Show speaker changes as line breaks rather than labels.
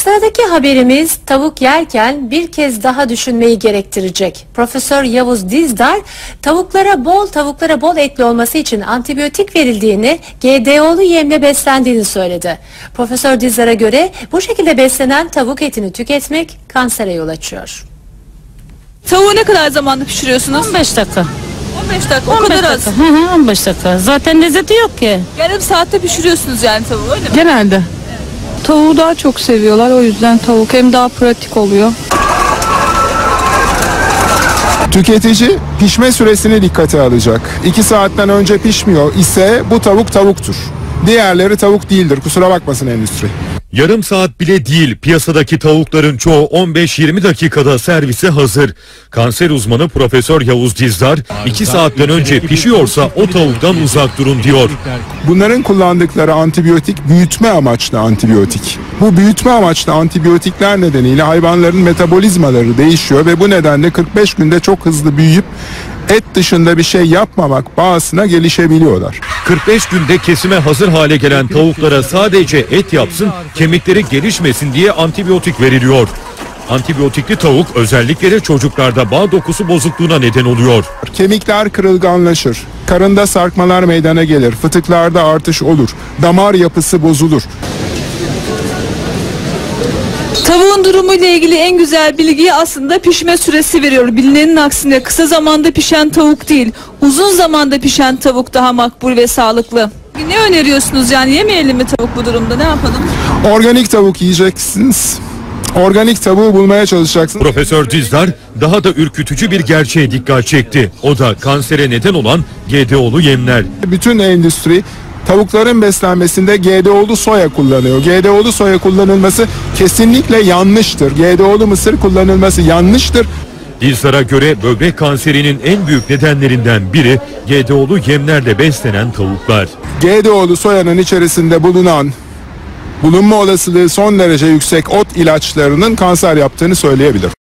Sıradaki haberimiz tavuk yerken bir kez daha düşünmeyi gerektirecek. Profesör Yavuz Dizdar, tavuklara bol etli olması için antibiyotik verildiğini, GDO'lu yemle beslendiğini söyledi. Profesör Dizdar'a göre bu şekilde beslenen tavuk etini tüketmek kansere yol açıyor.
Tavuğu ne kadar zamanda pişiriyorsunuz?
15 dakika.
15 dakika, o
15
kadar
dakika.
az.
Hı hı, 15 dakika. Zaten lezzeti yok ki.
Yarım saatte pişiriyorsunuz yani tavuğu, öyle mi?
Genelde. Tavuğu daha çok seviyorlar, o yüzden tavuk hem daha pratik oluyor.
Tüketici pişme süresini dikkate alacak. 2 saatten önce pişmiyor ise bu tavuk tavuktur. Diğerleri tavuk değildir. Kusura bakmasın endüstri.
Yarım saat bile değil, piyasadaki tavukların çoğu 15-20 dakikada servise hazır. Kanser uzmanı Profesör Yavuz Dizdar, 2 saatten önce pişiyorsa o tavuktan uzak durun diyor.
Bunların kullandıkları antibiyotik büyütme amaçlı antibiyotik. Bu büyütme amaçlı antibiyotikler nedeniyle hayvanların metabolizmaları değişiyor ve bu nedenle 45 günde çok hızlı büyüyüp et dışında bir şey yapmamak bağısına gelişebiliyorlar.
45 günde kesime hazır hale gelen tavuklara sadece et yapsın, kemikleri gelişmesin diye antibiyotik veriliyor. Antibiyotikli tavuk özellikle de çocuklarda bağ dokusu bozukluğuna neden oluyor.
Kemikler kırılganlaşır, karında sarkmalar meydana gelir, fıtıklarda artış olur, damar yapısı bozulur.
Tavuğun durumuyla ilgili en güzel bilgiyi aslında pişme süresi veriyor. Bilinenin aksine kısa zamanda pişen tavuk değil, uzun zamanda pişen tavuk daha makbul ve sağlıklı. Ne öneriyorsunuz, yani yemeyelim mi tavuk bu durumda, ne yapalım?
Organik tavuk yiyeceksiniz. Organik tavuğu bulmaya çalışacaksınız.
Profesör Dizdar daha da ürkütücü bir gerçeğe dikkat çekti. O da kansere neden olan GDO'lu yemler.
Bütün endüstri tavukların beslenmesinde GDO'lu soya kullanıyor. GDO'lu soya kullanılması kesinlikle yanlıştır. GDO'lu mısır kullanılması yanlıştır.
Dizdar'a göre böbrek kanserinin en büyük nedenlerinden biri GDO'lu yemlerle beslenen tavuklar.
GDO'lu soyanın içerisinde bulunma olasılığı son derece yüksek ot ilaçlarının kanser yaptığını söyleyebilir.